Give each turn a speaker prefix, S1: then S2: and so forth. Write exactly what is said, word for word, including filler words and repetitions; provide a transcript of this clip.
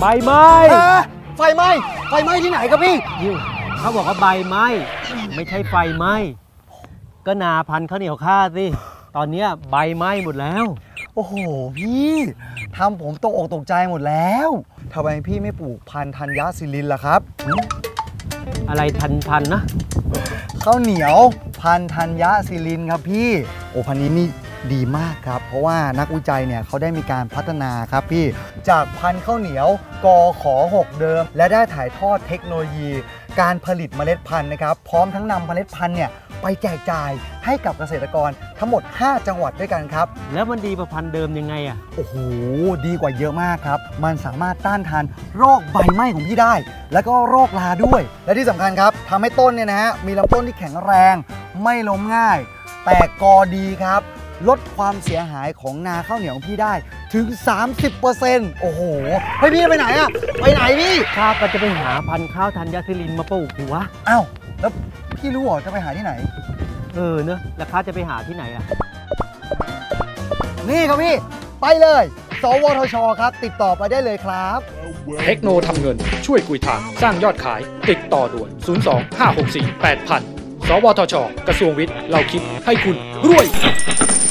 S1: ไหม้
S2: ไฟไหม้ไฟไหม้ที่ไหนครับพี่
S1: เขาบอกว่าใบไหม้ไม่ใช่ไฟไหม้ก็นาพันธุ์ข้าวเหนียวข้าสิตอนนี้ใบไหม้หมดแล้ว
S2: โอ้โหพี่ทำผมตกอกตกใจหมดแล้วทำไมพี่ไม่ปลูกพันธุ์ธัญญศิรินล่ะครับ
S1: อะไรทันทันนะ
S2: ข้าวเหนียวพันธุ์ธัญศิรินครับพี่โอ้พันธุ์นี้นี่ดีมากครับเพราะว่านักวิจัยเนี่ยเขาได้มีการพัฒนาครับพี่จากพันธุ์ข้าวเหนียวกขหกเดิมและได้ถ่ายทอดเทคโนโลยีการผลิตเมล็ดพันธุ์นะครับพร้อมทั้งนำเมล็ดพันธุ์เนี่ยไปแจกจ่ายให้กับเกษตรกรทั้งหมดห้าจังหวัดด้วยกันครับ
S1: แล้วมันดีกว่าพันธุ์เดิมยังไงอ่ะ
S2: โอ้โหดีกว่าเยอะมากครับมันสามารถต้านทานโรคใบไหม้ของพี่ได้แล้วก็โรคราด้วยและที่สำคัญครับทำให้ต้นเนี่ยนะฮะมีลำต้นที่แข็งแรงไม่ล้มง่ายแตกกอดีครับลดความเสียหายของนาข้าวเหนียวของพี่ได้ถึง สามสิบเปอร์เซ็นต์ โอ้โหเฮ้ยพี่ไปไหนอะไปไหนพี่
S1: ข้าก็จะไปหาพันธุ์ข้าวธัญศิรินมาปลูกดิวะ
S2: อ้าวแล้วพี่รู้เหรอจะไปหาที่ไหน
S1: เออเนอะแล้วข้าจะไปหาที่ไหนล่ะ
S2: นี่ครับพี่ไปเลยสวทชครับติดต่อไปได้เลยครับ
S3: เทคโนทำเงินช่วยกุยทางสร้างยอดขายติดต่อด่วนศูนย์ สอง ห้า หก สี่ แปด ศูนย์ ศูนย์ สวทชกระทรวงวิทย์เราคิดให้คุณรวย